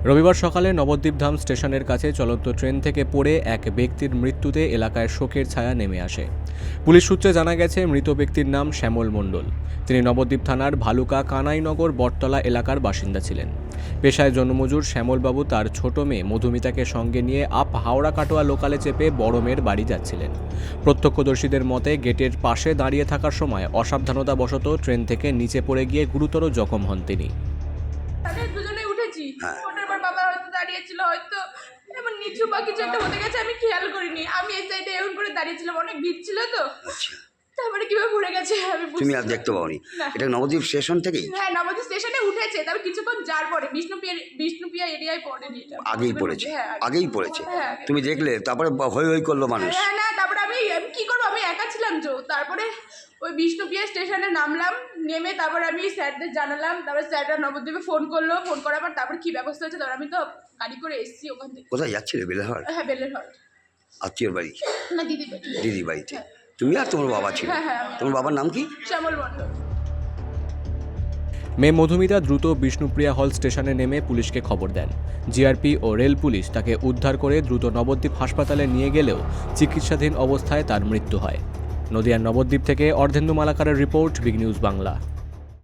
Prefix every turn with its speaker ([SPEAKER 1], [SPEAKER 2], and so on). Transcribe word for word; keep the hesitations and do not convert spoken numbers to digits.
[SPEAKER 1] রবিবার সকালে নবদ্বীপধাম স্টেশনের কাছে চলন্ত ট্রেন থেকে পড়ে এক ব্যক্তির মৃত্যুতে এলাকায় শোকের ছায়া নেমে আসে। পুলিশ সূত্রে জানা গেছে, মৃত ব্যক্তির নাম শ্যামল মণ্ডল। তিনি নবদ্বীপ থানার ভালুকা কানাইনগর বটতলা এলাকার বাসিন্দা ছিলেন। পেশায় জনমজুর শ্যামলবাবু তার ছোট মেয়ে মধুমিতাকে সঙ্গে নিয়ে আপ হাওড়া কাটোয়া লোকালে চেপে বড় মেয়ের বাড়ি যাচ্ছিলেন। প্রত্যক্ষদর্শীদের মতে, গেটের পাশে দাঁড়িয়ে থাকার সময় অসাবধানতাবশত ট্রেন থেকে নিচে পড়ে গিয়ে গুরুতর জখম হন তিনি।
[SPEAKER 2] ওটার পর বাবা হয়তো দাঁড়িয়েছিল, হয়তো এমন নিচু বা কিছু একটা হতে গেছে, আমি খেয়াল করিনি। আমি এই সাইডে এমন করে দাঁড়িয়েছিলাম, অনেক ভিড় ছিল তো। তারপরে কিভাবে পড়ে গেছে আমি
[SPEAKER 3] তুমি আর দেখতে পাওনি? এটা নবদ্বীপ স্টেশন থেকেই?
[SPEAKER 2] হ্যাঁ, নবদ্বীপ স্টেশনে উঠেছে, তারপর কিছুক্ষণ যার পরে বিষ্ণুপ্রিয়া বিষ্ণুপ্রিয়া এরিয়ায় পড়েনি। এটা
[SPEAKER 3] আগেই পড়েছে? আগেই পড়েছে?
[SPEAKER 2] হ্যাঁ।
[SPEAKER 3] তুমি দেখলে? তারপরে হই হই করলো মানুষ?
[SPEAKER 2] হ্যাঁ, না, তারপরে আমি আমি কি করবো, আমি একা ছিলাম তো। তারপরে ওই বিষ্ণুপ্রিয়া স্টেশনে নামলাম, নেমে তারপরে আমি স্যারদের জানালাম। তারপরে স্যাররা নবদ্বীপে ফোন করলো, ফোন করার পর তারপরে কি ব্যবস্থা হচ্ছে, তারপর আমি তো গাড়ি করে এসেছি ওখান থেকে।
[SPEAKER 3] কোথায় যাচ্ছিলে? বেলেহার?
[SPEAKER 2] হ্যাঁ, বেলেরহাট।
[SPEAKER 3] আত্মীয়র বাড়ি?
[SPEAKER 2] না, দিদি বাড়ি।
[SPEAKER 3] দিদি বাড়িতে? তুমি আর তোমার বাবা ছিল?
[SPEAKER 2] হ্যাঁ, হ্যাঁ।
[SPEAKER 3] তোমার বাবার নাম কি?
[SPEAKER 2] শ্যামল মণ্ডল।
[SPEAKER 1] মেয়ে মধুমিতা দ্রুত বিষ্ণুপ্রিয়া হল স্টেশনে নেমে পুলিশকে খবর দেন। জিআরপি ও রেল পুলিশ তাকে উদ্ধার করে দ্রুত নবদ্বীপ হাসপাতালে নিয়ে গেলেও চিকিৎসাধীন অবস্থায় তার মৃত্যু হয়। নদিয়ার নবদ্বীপ থেকে অর্ধেন্দু মালাকারের রিপোর্ট, বিগ নিউজ বাংলা।